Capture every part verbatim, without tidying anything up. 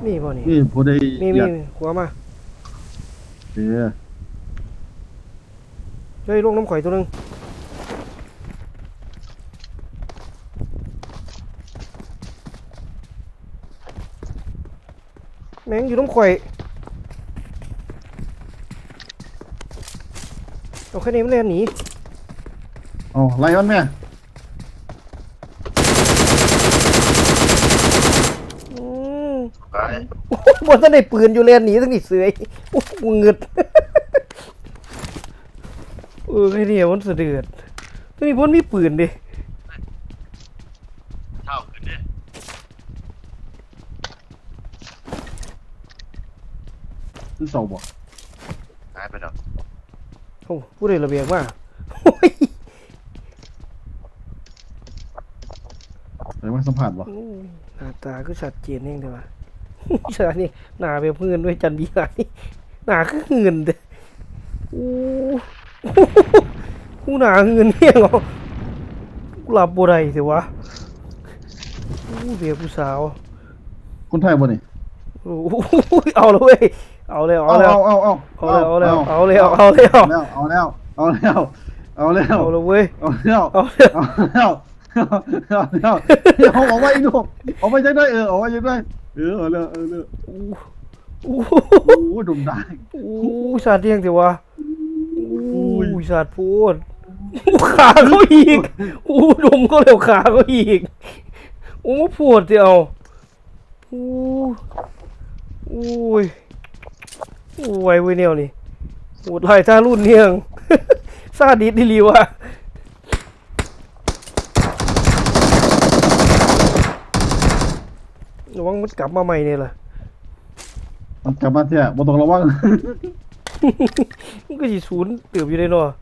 มีบ่นี่นี่ผู้ใดมีมีหัวมาเดี๋ยวเฮ้ยลงน้ำข่อยตัวนึงแม่งอยู่น้ำข่อยเอาแค่นี้มันเล่นหนีเอาไล่มันแม่บนท่านได้ปืนอยู่เล่นหนีทั้งนี้เสือยโอ้โหเงืดเออแค่นี้มันเสือเดือดทั้งนี้พ้นมีปืนดิเท่าขึ้นดิคือเสาบ่หายไปแล้วโอ้ผู้ใดระเบียงมาโอ้ยไหนว่าสัมผัสบ่หน้าตาก็ชัดเจนเองเด้อว่ะเสือนี่หน้าแบบเงินด้วยจันบีไงหน้าคือเงินเด้อโอ้กูหน้าเงินเนี่ยเหรอกูหลับบ่ได้สิวะโอ้เบียผู้สาวคนไทยบ่นี่โอ้เอาเลยเว้ยเอาเลยเอาเลยเอาเอาเอาเอาเลยเอาเลยเอาเลยเอาเลยเอาแล้วเอาแล้วเอาแล้วเอาแล้วเอาเลยเว้ยเอาแล้วเอาเลยเอาแล้วเอาแล้วเอาออกมาอีกลูกออกมาจังได้เออออกมาจังได้เออเอาแล้วเออแล้วโอ้โอ้โหดุมได้โอ้สาดเรียงสิวะโอ้สาดพูดขาเขาอีกโอ้ดมก็เร็วขาเขาอีกโอ้มาปวดเดียวโอ้โอ้ยโอ้ยเว้ยเนี่ยนี่ปวดไหล่ท่ารุ่นเนี่ยงซาดิสดิลีวะระวังมันกลับมาใหม่เนี่ยล่ะมันกลับมาเถอะบ่ต้องระวังมันก็สิศูนย์เติบอยู่ในเนาะ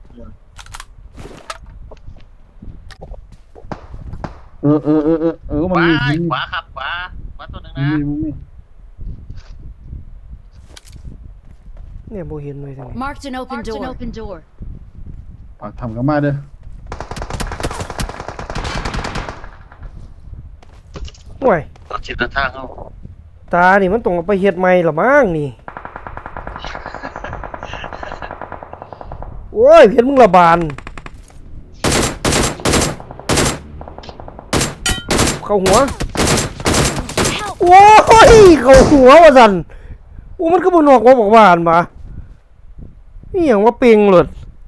เออเออเออเออเออมันมีขวาครับขวาขวาตัวหนึ่งนะเนี่ยโบเห็นเลยทางนี้ Marked an open door. Open door. ปากทำกันมาเด้อห่วยชิดทางเขาตานี่มันต้องเอาไปเฮ็ดใหม่หรอมั้งนี่โอ้ยเห็นมึงระบาดเข้าหัวโอ้ยเข้าหัวว่าสั่นโอ้มันก็บ่นอกว่าบอกว่าอันมานี่หยังว่าเปิงหลด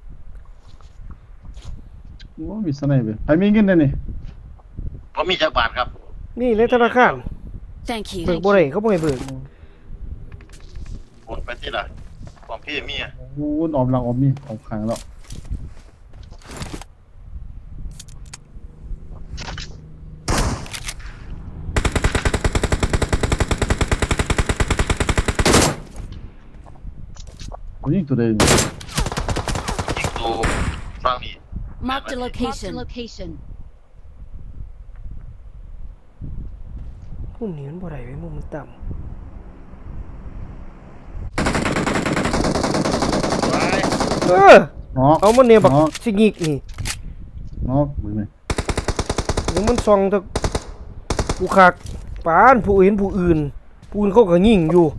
โอ้มีสไนเปอร์ใครมีเงินได้นี่ผมมีจักรบาทครับนี่ในธนาคาร Thank you. เบิกบ่ได้เขาบ่ให้เบิกโอนไปที่ละของพี่มีอ่ะโอ้ออมหลังออมนี่ออมขางแล้วยิงตัวเดิมยิงตัวฟังนี่ Marked a location. Location. มุมนี้มันบ่ได้เว้ยมุมมันต่ำเออเอามันเนี่ยบักสิงิกนี่นอกมือไหมเดี๋ยวมันส่องตะผู้คักปานผู้เห็นผู้อื่นผู้อื่นเขาก็ยิงอยู่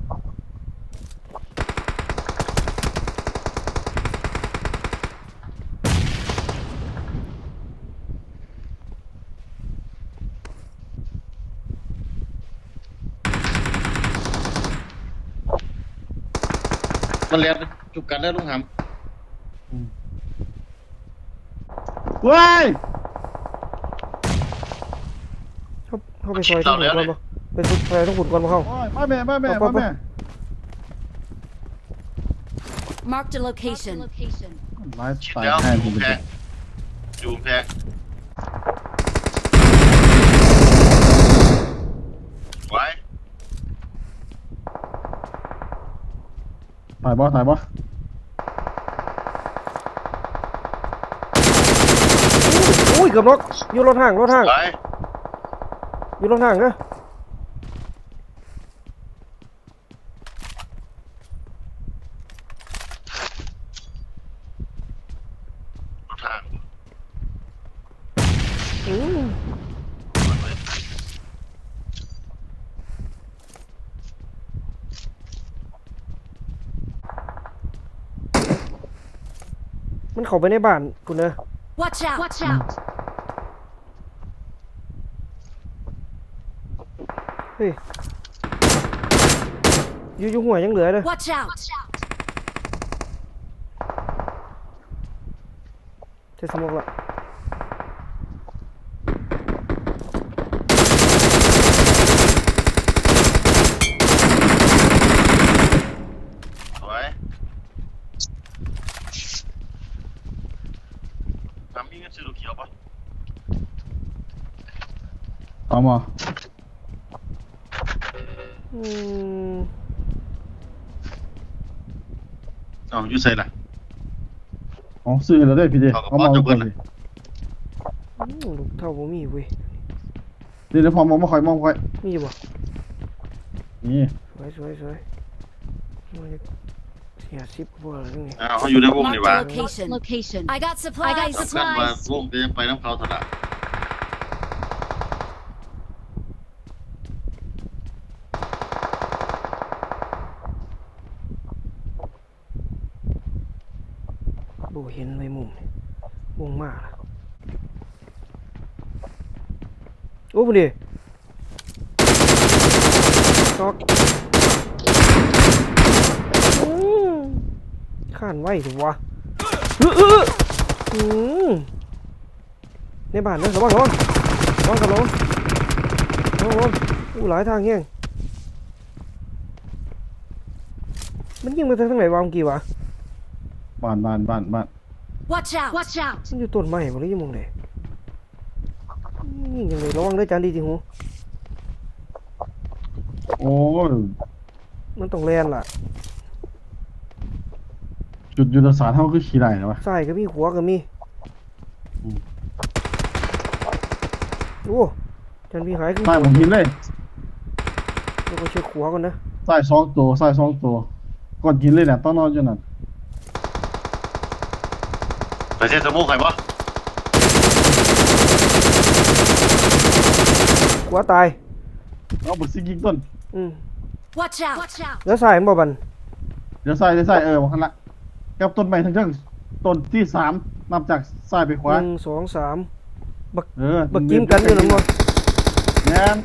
มันเรียนจุกกันแล้วลุงหำว้ายเขาเขาไปซอยต้องหุ่นก่อนปะไปซอยต้องหุ่นก่อนปะเขามาแม่มาแม่มาแม่ Marked a location. ไล่ตายแทนผมไปอยู่แพงไว้ถ่ายบ่ถ่ายบ่อุ้ยเกือบรถอยู่รถห่างรถห่างอยู่รถห่างนะรถทางอืมมันเข้าไปในบ้านคุณเนอะ Watch out! Watch out! เฮ้ยอยู่อยู่หัวยังเหลือเลย Watch out! เทสมอกละสวยทำมีเงินซื้อลูกเขียวปะเอามาอืมเอาอยู่ใส่ละอ๋อซื้อให้เราได้พี่เดเอากระเอาเป๋ามาจะเอาเบิก่อดนละดิอืมลูกเท่าบ่มีเว้ยเดี๋ยวเดี๋ยวพอมองมาคอยมองคอยมีบ่นี่สวยสวยสวยมันจะเสียสิบกว่าแล้วนี่อ้าวเขาอยู่ในวงนี่ Marked วะ a location. Location. I got supplies. I got สำคัญว่าวง supplies. จะยังไปน้ำเขาถนัดโบเห็นเลยมุมนี่วงมากละโอ้พอดีตอกอืมข้านไว้ถูกวะเออเอออืมในบ้านนะระวังระวังระวังกับระวังระวังระวังอู้หลายทางแห้งมันยิงมาทางไหนวะเมื่อกี้วะบ้านบ้านบ้านบ้าน Watch out! Watch out! มันอยู่ต้นไม้บ่หรือยังมองไหนยิงยังไงระวังด้วยจานดีจริงหูโอ้ยมันต้องแลนล่ะจุดยุทธศาสตร์เท่าคือขี่ได้นะวะซ้ายก็มีขวาก็มีอืมโอ้จานพี่หายขึ้นใต้ผมหินเลยแล้วก็เช็คขวาก่อนนะใต้สองตัวใต้สองตัวก่อนกินเลยเนี่ยต้องนอนอยู่นั่นไปเส้นสมุกใครปะขวาตายเอาบุษยิงต้นอืม Watch out! Watch out! แล้วซ้ายมันบ่บันเดี๋ยวใส่เดี๋ยวใส่เออวันละกับต้นไม้ทั้งทั้งต้นที่สามนับจากซ้ายไปขหวานึ่งสองสามบักเออบักจิ้มกันอยู่นั่นบ่แม่น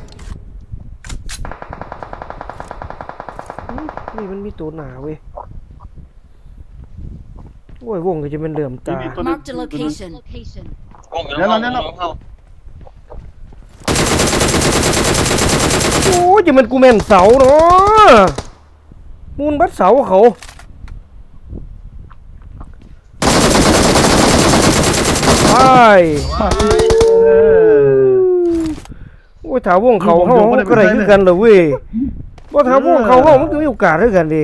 อืมนี่มันมีตัวหนาเว้ยโอ้ยวงก็จะเป็นเหลื่อมตา Marked a location. Location. วงอยู่ในห้องวงอยู่ในห้องโอ้ยจะมันกูแม่นเสาเนาะมูลบัดเสาเขาไปเออโอ้ยถาวงเขาเฮาก็ได้คือกันเหรอเว้ยบ่ถาวงเขาเฮามันก็มีโอกาสคือกันดิ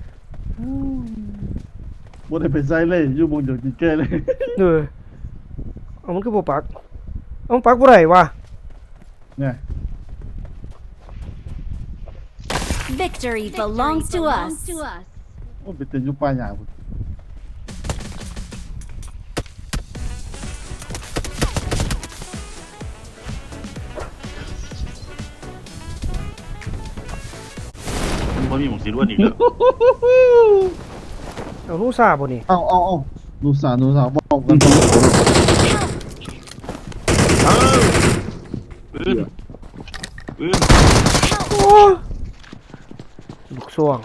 บ่ได้ไปใส่เลยอยู่บนเดียวกินเกยเลยเออเอามันคือบ่ปักเอามันปักบ่ได้วะเนี่ย Victory belongs to us. โอ้ไปเต้นอยู่ป่าหญ้าพุ่นมันบ่มีหมวกสีล้วนอีกแล้วเอาลูกซาบ่นี่เอาเอาเอาดูสาวดูสาวบอกกันตรงเออปืนปืนโอ้ลูกซ่วง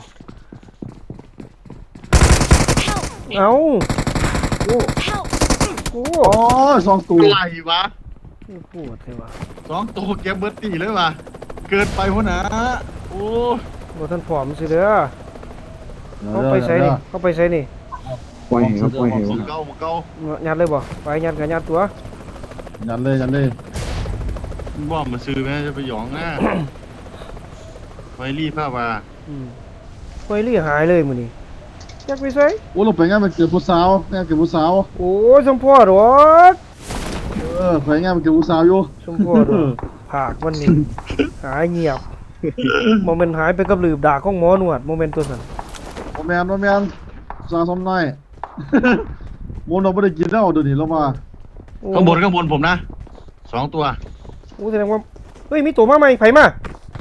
เอาโอ้ Help! โอ้โอ้ยสองตัวอะไรวะปวดเลยวะสองตัวเก็บเบิร์ตตีเลยวะเกินไปหัวหนะโอ้บ่ทันผอมสิเด้อเขาไปใส่นี่เขาไปใส่นี่ปล่อยเหวปล่อยเหวหมวกเก่าหมวกเก่ายัดเลยบ่ไปยัดก็ยัดตัวยันเลยยันเลยบ่อมมาซื้อแม่จะไปหยองหน้าไวรีผ้าว่าอืมไปเรียหายเลยมื้อนี้อยากไปใส่โอ้เราไปงานมันเกิดผู้สาวงานเกิดผู้สาวโอ้ยสมพ่อดอกเออไปงานมันเกิดผู้สาวอยู่สมพ่อดอกผากมันนี่หายเงียบบ่แม่นหายไปกับหลืบดากของหมอหนวดบ่แม่นตัวนั้นโมแมนโมแมนสาวสมน้อย โมนเราไม่ได้กินแล้วเดี๋ยวนี้เรามาโอ้ข้างบนข้างบนผมนะสองตัวโอ้แสดงว่าเฮ้ยมีตัวมาใหม่ไผมา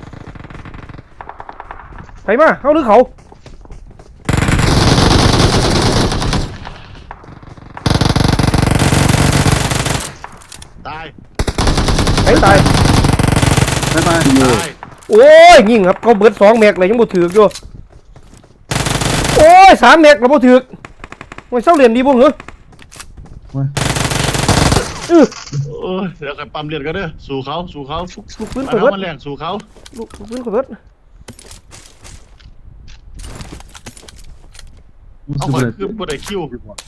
ไผมาเฮาหรือเขาตายไปไปตายโอ้ยยิงครับเขาเบิดสองแม็กเลยยังบ่ถือกอยู่โอ้ยสามแม็กแล้วบ่ถือกมันเศร้าเหรียญดีบ่เหรอเว้ยอื้อโอ้ยเดี๋ยวกันปั๊มเลือดกันเด้อสู่เขาสู่เขาลูกปืนมาข่อยเอาเบิดมาแรงสู่เขาลูกลูกปืนข่อยเบิดเอาสิข่อยบ่คือบ่ได้คิว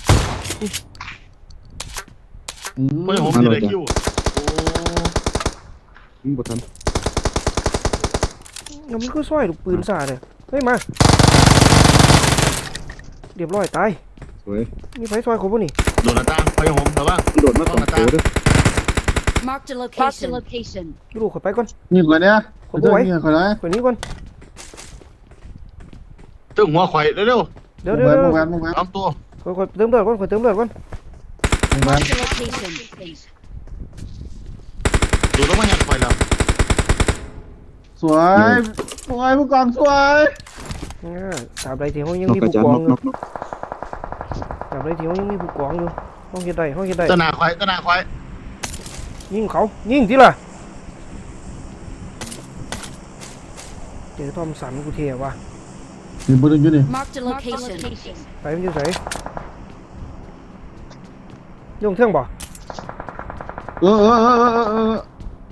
อืมบ่ได้ผมสิได้คิวโอ้มึงบ่ทันแล้วมันก็ซอยลูกปืนซ่าเลยเฮ้ยมาเรียบร้อยตายสวยมีไฟซอยเขาบ่นี่โดนหน้าต่างไปผมระวังมันโดดมาสองตัวเด้อ Marked a location. location. ลูกข่อยไปก่อนยิงก่อนเนี่ยขอบ่ไหวยิงก่อนนะข่อยหนี้ก่อนตึ้งหัวข่อยเร็วเดี๋ยวมุเดี๋ยวงเดี๋ยวแวนมุงแวนๆเอาตัวข่อยข่อยเติมเลือดก่อนข่อยเติมเลือดก่อนมุงแวน Marked a location. ดูแล้วมาหยัดข่อยแล้วสวยสวยผู้กองสวยอ่าตราบใดที่เขายังนกมีกระผู้จานกองนกอยู่นกนกตราบใดที่เขายังมีผู้กองอยู่ห้องเฮ็ดได้ห้องเฮ็ดได้ตะหนาข่อยตะหนาข่อยยิงเขายิงทีล่ะเจอทอมสันกูเทียว่ะนี่ปืนอยู่นี่ Marked a location. ไปมันอยู่ไสยงเท่งบ่เออเออเออเออเออ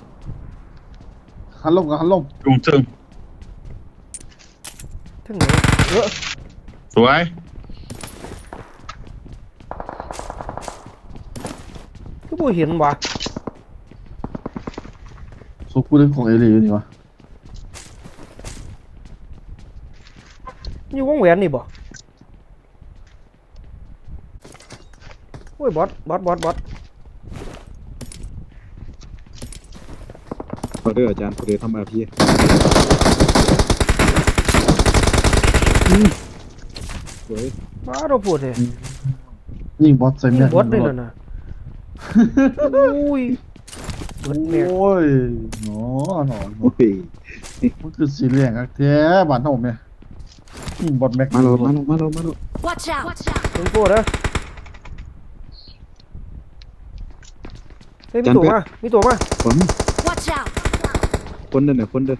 หันลงกับหันลงจุงตึงเท่งไหนเออสวยก็บ่เห็นว่ะสุกูเรื่องของเอลีอยู่นี่วะอยู่วงแหวนนี่บ่โอ้ยบอสบอสบอสบอสขอเด้ออาจารย์ขอเด้อทำอาพีสวยมาเราพูดเลยยิงบอสใส่ยิแม่งบอสเลยนั่นน่ะอุ้ยเบิดแม็กโอ้ยหนอหนอโอ้ยมันคือสีเหลืองอะแท้บ้านผมเนี่ยยิงบอสแม็กมาแล้วมาแล้วมาแล้วมาแล้ว Watch out. Watch out. เป็นพูดนะเฮ้ยมีตัวมามีตัวมาคน Watch out. คนเด้อเนี่ยคนเด้อ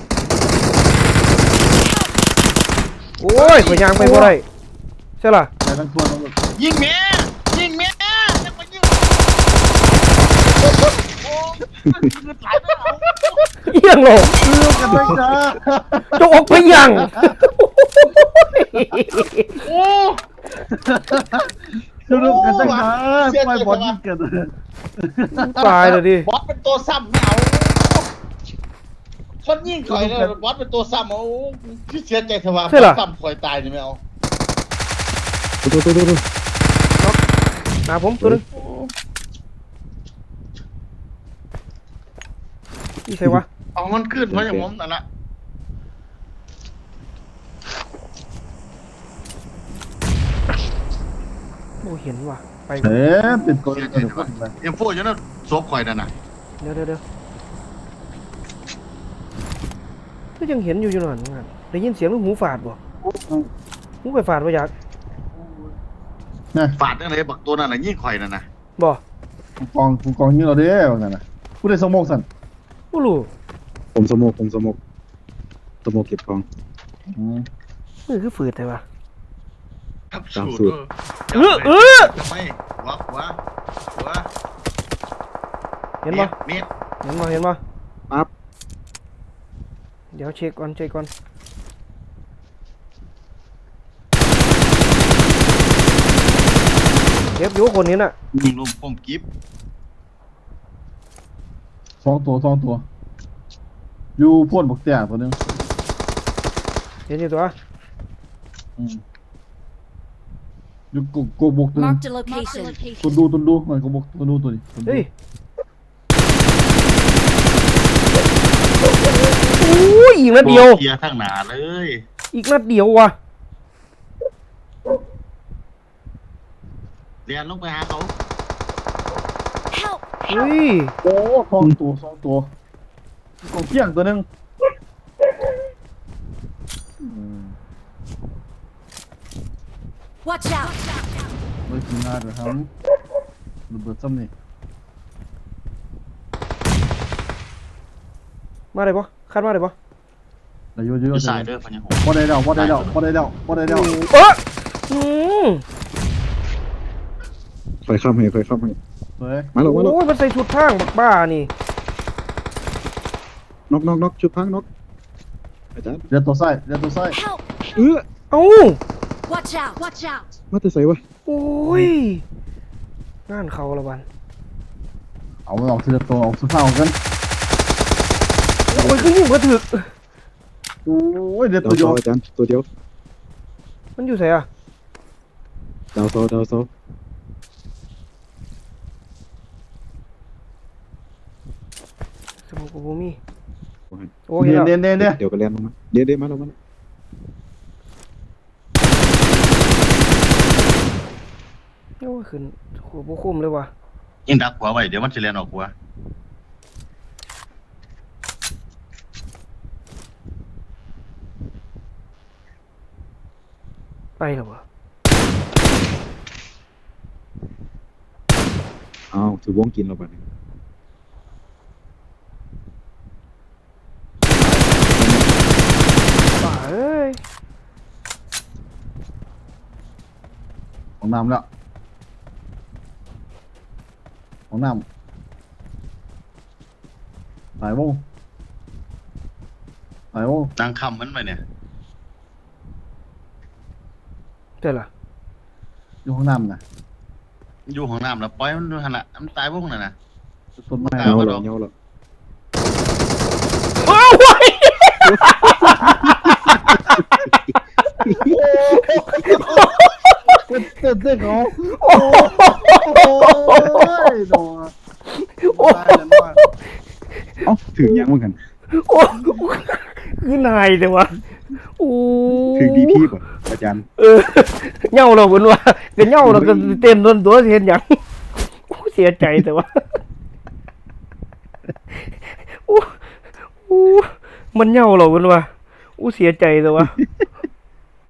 โอ้ยข่อยยางไปบ่ได้ใช่ล่ะไปทั้งตัวทั้งหมดยิงแม่ยิงแม่ยังมายิงโอ้ยคือหลายแล้วเอาเอียงโลกเลือกกันได้จ้าจะออกไปยังโอ้เลือกกันได้จ้าปล่อยบอสยิงกันตายเลยดิบอสเป็นตัวซ้ำไม่เอาคนยิงข่อยเลยบอสเป็นตัวซ้ำเอาที่เสียใจเถอะว่าบอสซ้ำข่อยตายนี่ไม่เอาตัวตัวตัวตัวหาผมตัวนึงนี่ใช่วะเอามันขึ้นเพราะอย่างผมนั่นแหละโอ้เห็นว่ะไปเอ๊ะเป็นตัวเสียใจเดียวเถอะกัว่าน เอ็มโฟอยู่นั่นซบข่อยนั่นน่ะเดี๋ยวเดี๋ยวเดี๋ยวก็ยังเห็นอยู่อยู่นั่นนั่นได้ยินเสียงลูกหูฝาดบ่หูไปฝาดบ่อยากนะฝาดนั่นเลยบักตัวนั่นน่ะยิงข่อยนั่นน่ะบ่ผู้กองผู้กองยิงเราเด้อนั่นน่ะผู้ได้สมองสั่นบ่รู้ผมสมกผมสมกสมกเก็บของอืมมือคือฝืดแต่ว่าครับตามสูสูตตรรเออเออทำไมหัวหัวหัวเห็นบ่เม็ดเห็นบ่เห็นบ่ปั๊บเดี๋ยวเช็คก่อนเช็คก่อนเก็บอยู่คนนี้น่ะยิงลมผมกิฟสองตัวสองตัวอยู่พ่นบักเตี้ยตัวนึงเห็นอยู่ตัวอืมอยู่กกบกตัวนึง Marked a location. ตัวดูตัวดูมันกบกตัวดูตัวนี้ตัวดูเฮ้ยโอ้ยอีกนัดเดียวเคลียร์ข้างหน้าเลยอีกนัดเดียวว่ะเรียนลงไปหาเขา Help. เฮ้ยโอ้สองตัวสองตัวกบเกี้ยงตัวนึงอืม Watch out. ไม่กินงานเลยครับระเบิดซ้ำนี่มาได้ปะคัดมาได้ปะแต่อยู่อยู่อยู่สายเด้อพันยังหกบ่ได้แล้วบ่ได้แล้วบ่ได้แล้วบ่ได้แล้วเอออืมไฟข้ามให้ไฟข้ามให้เฮ้ยมาแล้วมาแล้วโอ้ยมันใส่ชุดทางบักบ้านี่น็อกน็อกน็อกชุดพังน็อกอาจารย์เดี๋ยวตัวซ้ายเดี๋ยวตัวซ้าย Help! เออเอ้า Watch out! Watch out! มาแต่ใส่วะโอ้ยงานเขาละวันเอาออกทีละตัวออกสุดท้ายกันโอ้ยก็ยิ่งกระถึกโอ้ยเดี๋ยวดาตัว วเดีซยอวอาจารย์ตัวเดียวมันอยู่ไหนอะดาวซอดาวซอสมองกูบ่มีโอ้ยเห็นเนียแล้วนเนียนเนียนเดี๋ยวก็แล่นลงมาเดี๋ยวเดี๋ยวมาแล้วมาแล้วโอ้ยขึ้นโหบ่คุ้มเลยว่ะยิงดักหัวไว้เดี๋ยวมันจะเรียนออกหัวไปแล้ววะอ้าวถือวงกินเราบัดนี้ป่าเอ้ยของน้ำแล้วของน้ำสายวงสายวงนางคำมันไปเนี่ยเจ้าล่ะอยู่ของน้ำนะอยู่ของน้ำแล้วปล่อยมันดูหันละมันตายพวกนั้นนะต้นไม้ตาเงาบ่เราดอกเงาเราโอ้ยเต้นเต้นเต้นเขาโอ้ยยโดนโอ้ยตายแล้วว่าเอ้าถึงยังเหมือนกันโอ้ยคือนายแต่วะโอ้ถึงดีพีป่ะอาจารย์เออเหย้าเราบนว่าก็เหย้าเราก็เต้นโดนตัวเห็นหยังโอ้เสียใจแต่ว่าโอ้โอ้มันเหย้าเราบนว่าโอ้เสียใจแต่ว่า